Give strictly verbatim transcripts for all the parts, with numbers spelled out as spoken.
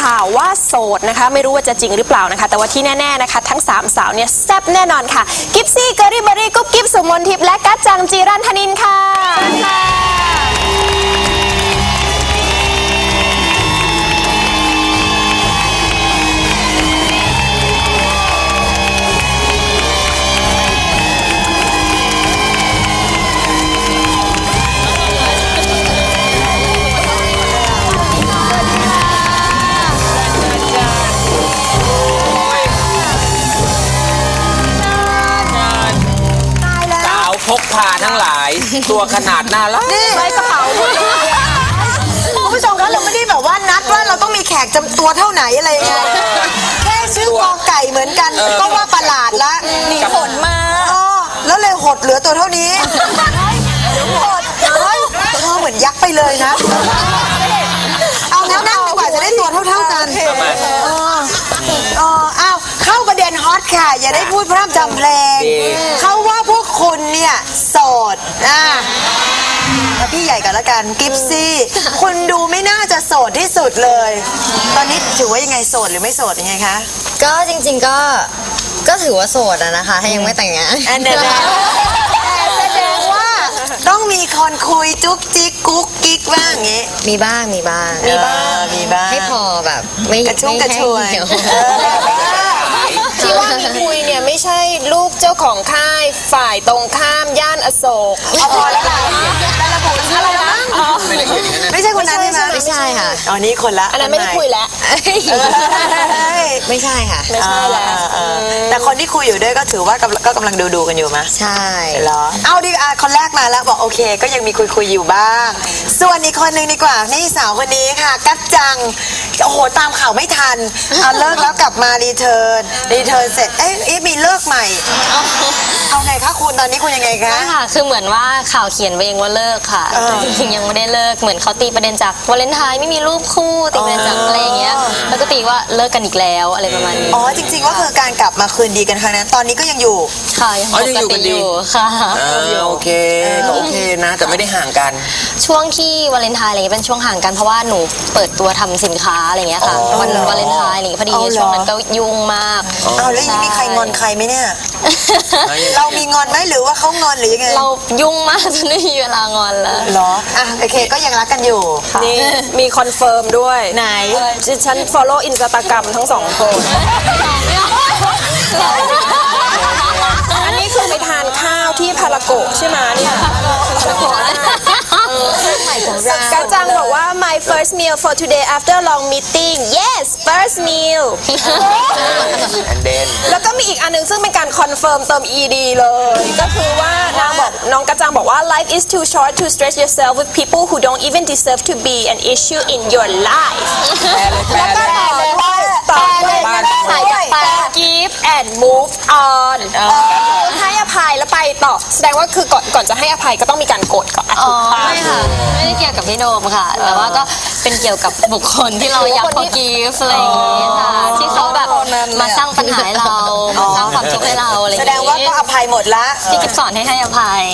ข่าวว่าโสดนะคะไม่รู้ว่าจะจริงหรือเปล่านะคะแต่ว่าที่แน่ๆนะคะทั้งสามสาวเนี่ยแซ่บแน่นอนค่ะกิฟซี่เกอรี่เบอรี่กุ๊บกิ๊บสุมนทิพย์และกัจจังจีรันธนินค่ะพกพาทั้งหลายตัวขนาดน่ารักใส่กระเป๋าคุณผู้ชมคะเราไม่ได้แบบว่านัดว่าเราต้องมีแขกจำตัวเท่าไหนอะไรอย่างเงี้ยแค่ชื่อกอไก่เหมือนกันก็ว่าประหลาดละหนีผลมาแล้วเลยหดเหลือตัวเท่านี้หดเฮ้ยเธอเหมือนยักษ์ไปเลยนะเอาแล้วนั่งดีกว่าจะได้ตัวเท่าๆกันอ๋ออ้าวเข้าประเด็นฮอตค่ะอย่าได้พูดพร่ำจำเพลงเขาว่าพวกคุณเนี่ยโสดอ่ะพี่ใหญ่กันละกันกิฟซี่คุณดูไม่น่าจะโสดที่สุดเลยตอนนี้ถือว่ายังไงโสดหรือไม่โสดยังไงคะก็จริงๆก็ก็ถือว่าโสดอะนะคะถ้ายังไม่แต่งงานอันนั้นแสดงว่าต้องมีคนคุยจุ๊กจิ๊กกุ๊กกิ๊กบ้างอย่างงี้มีบ้างมีบ้างมีบ้างมีบ้างให้พอแบบไม่กระชุ่มกระชวยที่ว่ามีคุยเนี่ยไม่ใช่ลูกเจ้าของค่ายฝ่ายตรงข้ามย่านอโศกเอาพอแล้วล่ะแต่ระบุชื่ออะไรนะไม่ใช่คนนั้นใช่ไหมไม่ใช่ค่ะอ๋อนี่คนละอันนั้นไม่ได้คุยแล้วไม่ใช่ค่ะไม่ใช่แล้วแต่คนที่คุยอยู่ด้วยก็ถือว่าก็กำลังดูดูกันอยู่ไหมใช่เหรอเอาดิอ่ะคนแรกมาแล้วบอกโอเคก็ยังมีคุยคุยอยู่บ้างส่วนอีกคนหนึ่งดีกว่านี่สาวคนนี้ค่ะกัจจังโอ้โหตามข่าวไม่ทันเอาเลิกแล้วกลับมารีเทิร์นรีเทิร์นเสร็จเอ๊ะมีเลิกใหม่เอาไงคะคุณตอนนี้คุณยังไงคะค่ะคือเหมือนว่าข่าวเขียนไปเองว่าเลิกค่ะจริงๆยังไม่ได้เลิกเหมือนเขาตีประเด็นจากวาเลนไทน์ไม่มีรูปคู่ตีประเด็นจากอะไรอย่างเงี้ยแล้วก็ตีว่าเลิกกันอีกแล้วอะไรประมาณนี้อ๋อจริงๆว่าคือการกลับมาคืนดีกันครั้งนั้นตอนนี้ก็ยังอยู่ค่ะยังปกติอยู่ค่ะโอเคก็โอเคนะแต่ไม่ได้ห่างกันช่วงที่วาเลนไทน์อะไรเงี้ยเป็นช่วงห่างกันเพราะว่าหนูเปิดตัวทำสินค้าอะไรเงี้ยค่ะวันวาเลนไทน์อะไรพอดีช่วงนั้นก็ยุ่งมากอ้าวแล้วยังมีใครงอนใครไหมเนี่ยเรามีงอนไหมหรือว่าเขางอนหรือยังไงเรายุ่งมากจนไม่มีเวลางอนแล้วเหรออ่ะโอเคก็ยังรักกันอยู่นี่มีคอนเฟิร์มด้วยไหนฉัน follow Instagram ทั้งสองคนอันนี้คือไปทานข้าวที่พารากะใช่ไหมเนี่ยกัจจังบอกว่า my first meal for today after long meeting yes first meal แล้วก็มีอีกอันนึงซึ่งเป็นการคอนเฟิร์มเติม ed เลยก็คือว่านางบอกน้องกัจจังบอกว่า life is too short to stress yourself with people who don't even deserve to be an issue in your life แล้วก็ต่อด้วยต่อด้วย give and move on ให้อภัยแล้วไปต่อแสดงว่าคือก่อนก่อนจะให้อภัยก็ต้องมีการโกรธก่อนอ๋อไม่ค่ะไม่ได้เกี่ยวกับพี่โดมค่ะแต่ว่าก็เป็นเกี่ยวกับบุคคลที่เราอยาก forgive อะไรอย่างเงี้ยค่ะที่เขาแบบมาสร้างปัญหาให้เรามาสร้างความทุกข์ให้เราอะไรอย่างเงี้ยแสดงว่าก็อภัยหมดละพี่กิฟสอนให้ให้อภัย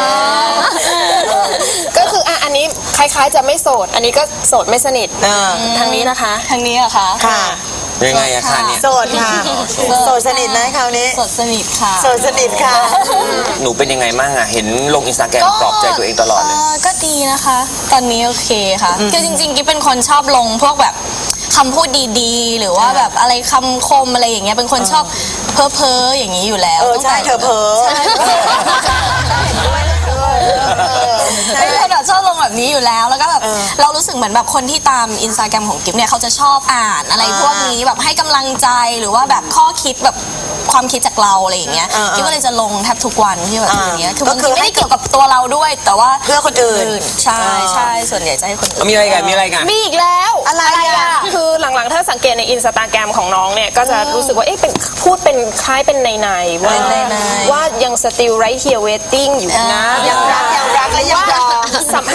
ก็คืออ่ะอันนี้คล้ายๆจะไม่โสดอันนี้ก็โสดไม่สนิททางนี้นะคะทางนี้เหรอคะค่ะยังไงอะคะเนี่ยโสดค่ะโสดสนิทนะคราวนี้โสดสนิทค่ะโสดสนิทค่ะหนูเป็นยังไงมั่งอะเห็นลงอินสตาแกรมปลอบใจตัวเองตลอดเลยก็ดีนะคะตอนนี้โอเคค่ะคือจริงๆกิ๊บเป็นคนชอบลงพวกแบบคำพูดดีๆหรือว่าแบบอะไรคำคมอะไรอย่างเงี้ยเป็นคนชอบเพ้อเพ้ออย่างนี้อยู่แล้วเออใช่เธอเพ้อเป็นคนแบบชอบลงแบบนี้อยู่แล้วแล้วก็แบบเรารู้สึกเหมือนแบบคนที่ตามอินสตาแกรมของกิ๊บเนี่ยเขาจะชอบอ่านอะไรพวกนี้แบบให้กำลังใจหรือว่าแบบข้อคิดแบบความคิดจากเราอะไรอย่างเงี้ยกิ๊บก็เลยจะลงแทบทุกวันที่แบบอย่างเงี้ยคือบางทีไม่ได้เกี่ยวกับตัวเราด้วยแต่ว่าเพื่อคนอื่นใช่ใช่ส่วนใหญ่จะให้คนอื่นมีอะไรกันมีอะไรกันมีอีกแล้วอะไรอ่ะคือหลังๆถ้าสังเกตในอินสตาแกรมของน้องเนี่ยก็จะรู้สึกว่าเอ๊ะเป็นพูดเป็นคล้ายเป็นในๆว่าว่ายัง still right here waiting อยู่นะยังรักยังรักและยังรอให้สัมภาษณ์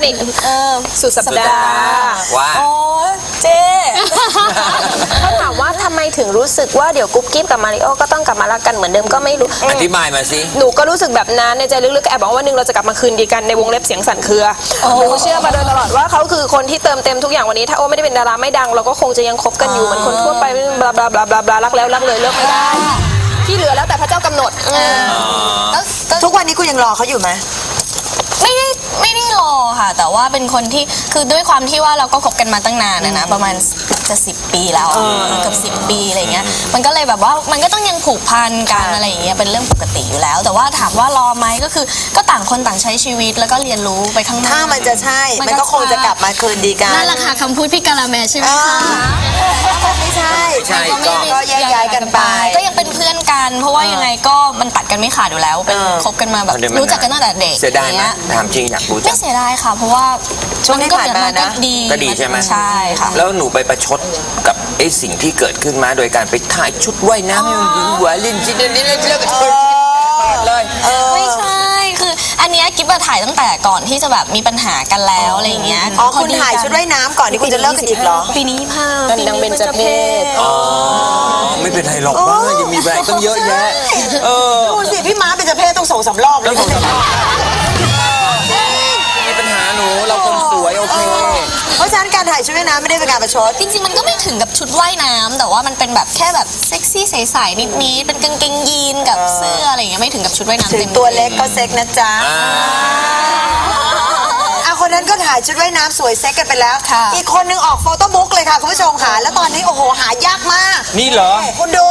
นิกสุดสัปดาห์ว่าโอ้เจ๊ เขาถามว่าทำไมถึงรู้สึกว่าเดี๋ยวกุ๊บกิ๊บกับมาริโอก็ต้องกลับมารักกันเหมือนเดิมก็ไม่รู้อธิบายมาสิหนูก็รู้สึกแบบนั้นในใจลึกๆก็แอบบอกว่าวันหนึงเราจะกลับมาคืนดีกันในวงเล็บเสียงสั่นเครือหนูเชื่อมาโดยตลอดว่าเขาคือคนที่เติมเต็มทุกอย่างวันนี้ถ้าโอไม่ได้เป็นดาราไม่ดังเราก็คงจะยังคบกันอยู่เหมือนคนทั่วไปบลาบลาบลาบลาบลารักแล้วรักเลยเลิกไม่ได้ที่เหลือแล้วแต่พระเจ้ากำหนดทุกวันนี้กูยังรอเขาอยู่ไหมไม่ได้ไม่ได้รอค่ะ แต่ว่าเป็นคนที่คือด้วยความที่ว่าเราก็คบกันมาตั้งนานนะนะประมาณจะสิบปีแล้วอะเกือบสิบปีอะไรเงี้ยมันก็เลยแบบว่ามันก็ต้องยังผูกพันกันอะไรอย่างเงี้ยเป็นเรื่องปกติอยู่แล้ว แต่ว่าถามว่ารอไหมก็คือก็ต่างคนต่างใช้ชีวิตแล้วก็เรียนรู้ไปข้างหน้าถ้ามันจะใช่ มันก็คงจะกลับมาคืนดีกันนั่นแหละค่ะคำพูดพี่กาลาแมใช่ไหมอ่าคะไม่ใช่ใช่ก็ไม่ได้ก็แยกย้ายกันไปก็ยังเป็นเพื่อนกัน เพราะว่ายังไงก็มันตัดกันไม่ขาดอยู่แล้วเป็นเออคบกันมาแบบเอาเดี๋ยวมันรู้จักกันตั้งแต่เด็กเสียดายไหมอางงี้ถามจริงอยากรู้จัไม่งเสียดายค่ะ เพราะว่าช่วงที่ผ่านมานะก็ดีก็ดีใช่ไหมใช่ค่ะแล้วหนูไปประชดกับไอ้สิ่งที่เกิดขึ้นมาโดยการไปถ่ายชุดว่ายน้ำให้มันหวือหวาเล่นจินนี่แล้วแล้วก็เธอเลยไม่ใช่ คืออันเนี้ยกิ๊บมาถ่ายตั้งแต่ก่อนที่จะแบบมีปัญหากันแล้วอะไรอย่างเงี้ยอ๋อคุณถ่ายชุดว่ายน้ำก่อนที่คุณจะเลิกกันอีกเหรอปีนี้ผ้ากันดังเบญจเพศอ๋อไม่เป็นไรหรอกว่ายังมีอะไรต้องเยอะแยะเออดูสิพี่ม้าเป็นเจ้าเพศต้องส่งสำรอบเลยมีปัญหาหนูเราคนสวยโอเคเพราะฉะนั้นการถ่ายชุดว่ายน้ำไม่ได้เป็นการประชดจริงๆมันก็ไม่ถึงกับชุดว่ายน้ำแต่ว่ามันเป็นแบบแค่แบบเซ็กซี่ใสๆนิดๆเป็นกางเกงยีนกับเสื้ออะไรอย่างเงี้ยไม่ถึงกับชุดว่ายน้ำถึเต็งมตัวเล็กก็เซ็กนะจ๊ะอ่าอ่ะคนนั้นก็ถ่ายชุดว่ายน้ำสวยเซ็กกันไปแล้ว อีกคนนึงออกโฟโต้บุ๊กเลยค่ะคุณผู้ชมค่ะ แล้วตอนนี้โอ้โหหายากมากนี่เหรอคุณดู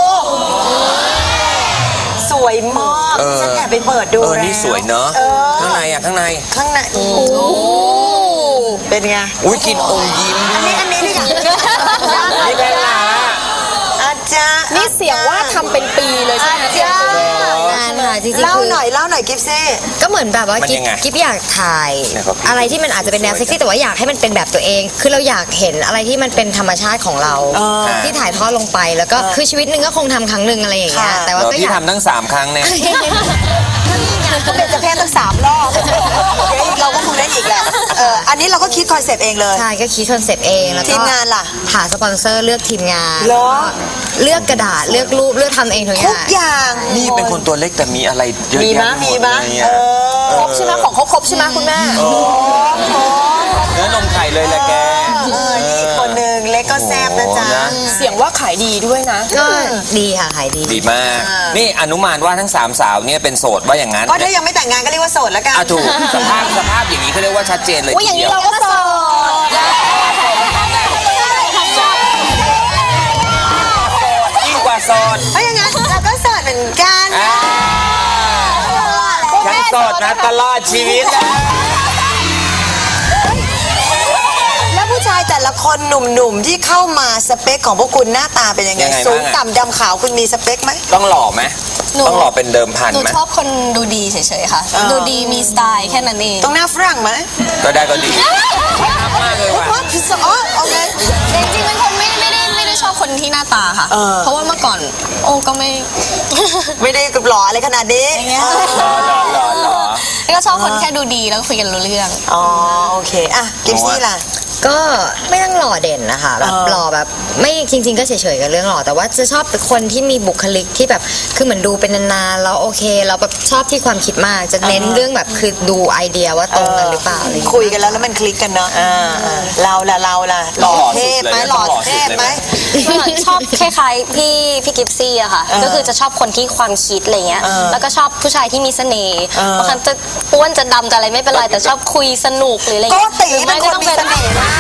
สวยมากเออฉันแอบไปเปิดดูเออแล้วนี่สวยเนอะเออข้างในอ่ะข้างในข้างในโอ้โหเป็นไงอุ้ยกินอมยิ้มอันนี้อันนี้นี่ค่ะนี่เป็นหลาอาจารย์นี่เสียงว่าทำเป็นปีเลยใช่อาไหมจารย์งานค่ะจริงๆเล่าคือหน่อยเล่าหน่อยกิฟซี่ก็เหมือนแบบว่ามันกิ๊ยับงไงกิ๊บอยากถ่ายเนี่ยครับอะไรที่มันอาจจะเป็นแนวเซ็กซี่แต่ว่าอยากให้มันเป็นแบบตัวเอง คือเราอยากเห็นอะไรที่มันเป็นธรรมชาติของเรา ที่ถ่ายทอดลงไปแล้วก็คือชีวิตหนึ่งก็คงทำครั้งหนึ่งอะไรอย่างเงี้ยค่ะแต่ว่าเดี๋ยวก็อพี่ยากทำทั้งสามครั้งเนี่ยก็เป็นเจ้าเพศตั้งสามรอบเดี๋ยวเราก็คงได้อีกแหละเอออันนี้เราก็คิดคอนเซปต์เองเลยใช่ก็คิดคอนเซปต์เองแล้วก็ทีมงานล่ะหาสปอนเซอร์เลือกทีมงานเหรอเลือกกระดาษเลือกรูปเลือกทำเองทุกอทุย่าก งอย่างนี่เป็นคนตัวเล็กแต่มีอะไรเยอะมีแยะมะไปหมีดมะเลยเออะอครบใช่ไหมของเขาครบใช่ไหมคุณแม่เนื้อนมไข่เลยแหละแกเออนี่อีกคนหนึ่งเล็กก็แซบนะจ๊ะโอ้นะเสียงว่าขายดีด้วยนะก็ดีค่ะขายดีดีมาก นี่อนุมานว่าทั้งสามสาวเนี่ยเป็นโสดว่าอย่างนั้นก็ถ้ายังไม่แต่งงานก็เรียกว่าโสดแล้วกันอ่ะถูกสภาพสภาพอย่างนี้เขาเรียกว่าชัดเจนเลยว่าอย่างนี้เราก็โสดยิ่งกว่าโสดเพราะอย่างนั้นเราก็โสดเหมือนกันอ่าฉันโสดนะตลอดชีวิตนะแล้วผู้ชายแต่ละคนหนุ่มๆที่เข้ามาสเปคของพวกคุณหน้าตาเป็นยังไงยังไงสูงบ้างอะต่ำดำขาวคุณมีสเปคไหมต้องหล่อไหมต้องหล่อเป็นเดิมพันหนูไหมชอบคนดูดีเฉยๆค่ะเออดูดีมีสไตล์แค่นั้นเองต้องหน้าฝรั่งไหมก็ได้ก็ดีมากเลยว่ะว่าพิซซ่าอ๋อโอเคจริงๆเป็นคนไม่ไม่ได้ไม่ได้ชอบคนที่หน้าตาค่ะเออเพราะว่าเมื่อก่อนโอ้ก็ไม่ไม่ได้กับหล่ออะไรขนาดนี้อย่างเงี้ยหล่อหล่อหล่อหล่อแล้วก็ชอบคนแค่ดูดีแล้วก็คุยกันรู้เรื่องอ๋อโอเคอ่ะกิฟซี่ล่ะก็ไม่ต้องหล่อเด่นนะคะแบบเออหล่อแบบไม่จริง ๆ ก็เฉยๆกับเรื่องหล่อแต่ว่าจะชอบเป็นคนที่มีบุคลิกที่แบบคือเหมือนดูเป็นนานๆแล้วโอเคเราแบบชอบที่ความคิดมาก จะเน้นเรื่องแบบคือดูไอเดียว่าตรงกันหรือเปล่าอะไรอย่างเงี้ยคุยกันแล้วแล้วมันคลิกกันเนาะอ่าอ่าเราล่ะเราล่ะหล่อเทพไหมหล่อเทพไหมชอบคล้ายๆพี่พี่กิฟซี่อะค่ะ ก็คือจะชอบคนที่ความคิดอะไรเงี้ยเออแล้วก็ชอบผู้ชายที่มีเสน่ห์เออบางครั้งจะอ้วนจะดำจะอะไรไม่เป็นไร แต่ชอบคุยสนุกหรืออะไรโกเงี้ยติหรือเป็ไม่นคก็นต้องมีเป็นเสน่ห์มาก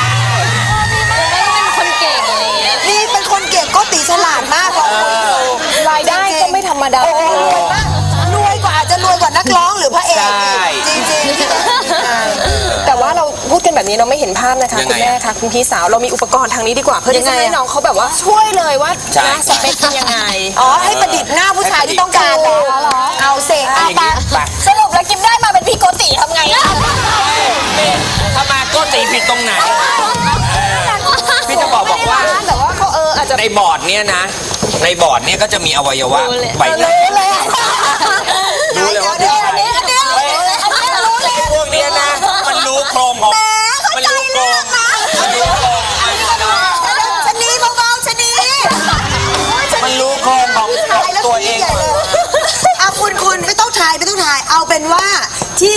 ไม่ต้องเป็นคนเก่งอะไรเงี้ยนี่เป็นคนเก่งโกติฉลาดมากพอคุยดูรายได้ก็ไม่ธรรมดาโอ้โหรวยมากรวยกว่าอาจจะรวยกว่านักร้องหรือพระเอกใช่อีกจริงๆแต่ว่าเราพูดกันแบบนี้เราไม่เห็นภาพนะคะยังคุไงณอะแม่คะคุณพี่สาวเรามีอุปกรณ์ทางนี้ดีกว่าเพื่อที่ยังไงจะให้อะน้องเขาแบบว่าช่วยเลยว่าใช่นะสเปคเป็นยังไงอ๋อให้ประดิษฐ์หน้าผู้ชายที่ต้องการเหรอเอาเสกอเอาย่างไปนี้ไปสรุปแล้วกิฟได้มาเป็นพี่โกติทำไงอะถ้ามาก็ตีผิดตรงไหน พี่จะบอกบอกว่าแต่ว่าเขาเอออาจจะในบอร์ดเนี่ยนะ ในบอร์ดเนี่ยก็จะมีอวัยวะใบหน้ารู้เลยอะรู้เลยว่าเดี๋ยวๆอันนี้อันนี้เฮ้ยพวกเนี้ยนะ มันรู้โครง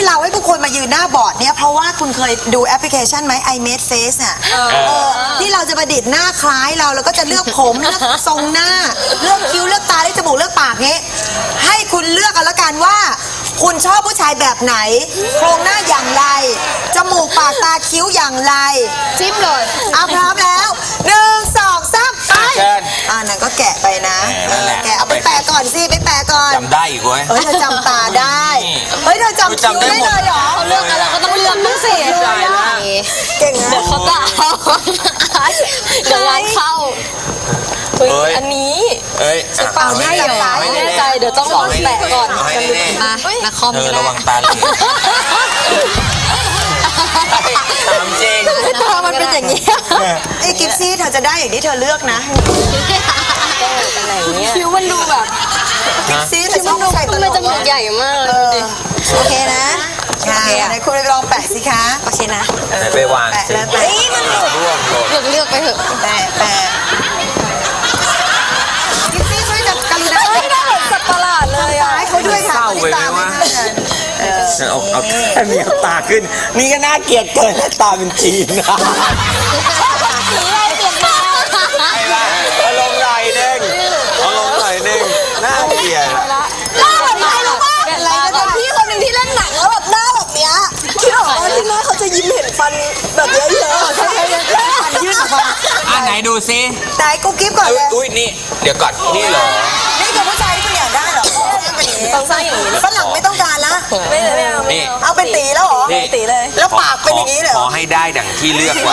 เราให้ทุกคนมายืนหน้าบอร์ดเนี่ยเพราะว่าคุณเคยดูแอปพลิเคชันไหม I Made Face อ่ะเออที่เราจะประดิษฐ์หน้าคล้ายเราแล้วก็จะเลือกผมเลือกทรงหน้าเลือกคิ้วเลือกตาเลือกจมูกเลือกปากนี้ให้คุณเลือกกันละกันว่า คุณชอบผู้ชายแบบไหน โครงหน้าอย่างไรจมูกปากตาคิ้วอย่างไรจิ้มเลยอ่ะพร้อมแล้วหนึ่งสองสามไปเชิญอ่านั่นก็แกะไปนะแหม่นั่นแหละแกะเอาไปแปะก่อนสิไปแปะก่อนจำได้อีกเว้ยเฮ้ยเธอจำตาได้ เฮ้ยเธอจำคิ้วได้เลยเหรอเลือกกันเราก็ต้องเลือกบ้างสิเก่งนะเดี๋ยวเขาจะเอาเดี๋ยวงานเข้าเอ้ยอันนี้เอ้ยอ่ะเปล่าได้เหรอไม่แน่ใจเดี๋ยวต้องลองแปะก่อนเอาให้แน่ๆมานักคอมเธอก็ระได้วังตาเหลือกตามจริงตามันเป็นอย่างนี้ไอ้กิฟซี่เธอจะได้อย่างที่เธอเลือกนะคิ้วมันดูแบบกิฟซี่เธอชอบผู้ชายตทำลไมกจมูกใหญ่มากเออโอเคนะค่ะไหนคุณไปลองแปะสิคะโอเคนะไหนไปวางแปะสิแล้วแปะร่วงหล่นเลือกเลือกไปเถอะแปะแปะกิฟซี่ช่วยจับกรุณาไม่ได้เหมือนสัตว์ประหลาดเลยอ่ะให้เขาด้วยค่ะเศร้าไปไหมวะ เอาเอาแค่มีเอาตาขึ้น นี่ก็น่าเกลียดเกินตาเป็นจีนนะไอ้บ้าเอาลงหน่อยหนึงเอาลงหน่อยหนึงน่าเกลียดหน้าเหมือนใครรู้ป่ะอะไรนะพี่คนหนึ่งที่เล่นหนังแล้วแบบหน้าแบบเนี้ยคิดออกว่าที่หน้าเขาจะยิ้มเห็นฟันแบบเยอะๆใช่ไหมฟันยื่นออกมาอ่ะไหนดูซิไหนกูกิฟก่อนอุ๊เลย ยอุ้ยนี่ เดี๋ยวก่อนนี่เหรอนี่คือผู้ชายที่คุณอยากได้เหรอเป็นอย่างนี้ต้องสร้างอย่างนี้ฝรั่งไม่ต้องการละไม่เลยไม่เอานี่เอาเป็นตีแล้วเหรอนี่ตีเลยแล้วปากเป็นอย่างนี้เลยเหขรออให้ได้ดังที่เลือกไว้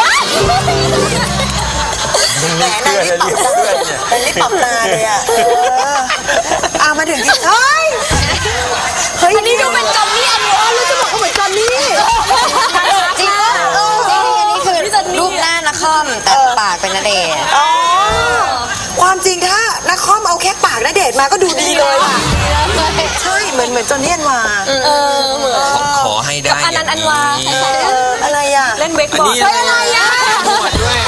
แหมนายรีบปรับตาแต่รีบปรับตาเลยอ่ะเอออ่ะมาถึงที่เฮ้ยเฮ้ยอันนี้ดูเป็นจอนนี่อันนี้รู้จะบอกว่าเหมือนจอนนี่จริงป่ะจริงอันนี้คือรูปหน้านักคอมแต่ปากเป็นณเดชน์อ๋อความจริงถ้านักคอมเอาแค่ปากณเดชน์มาก็ดูดีเลยอ่ะใช่เหมือนเหมือนจอนนี่อันวาเออเหมือนขอขอให้ได้อันนั้นอันวาย่งเอออะไรอ่ะเล่นเวกอันบอร์นี้ดอะไรอ่ะหนวดด้วย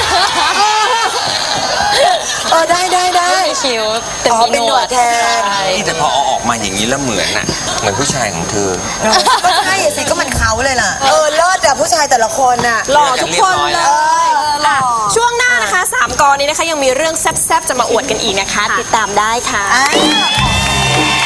เออได้ได้ได้คิ้วแต่อ๋อมีเป็นหนวดแทนนี่แต่พอเอาออกมาอย่างนี้แล้วเหมือนน่ะ เหมือนผู้ชายของเธอก็ใช่อะสิก็มันเขาเลยล่ะเออเลิศอะผู้ชายแต่ละคนน่ะหล่อทุกคนเลยเอออ่ะช่วงหน้านะคะสามกอนี้นะคะยังมีเรื่องแซ่บๆจะมาอวดกันอีกนะคะ ติดตามได้ค่ะอ่ะ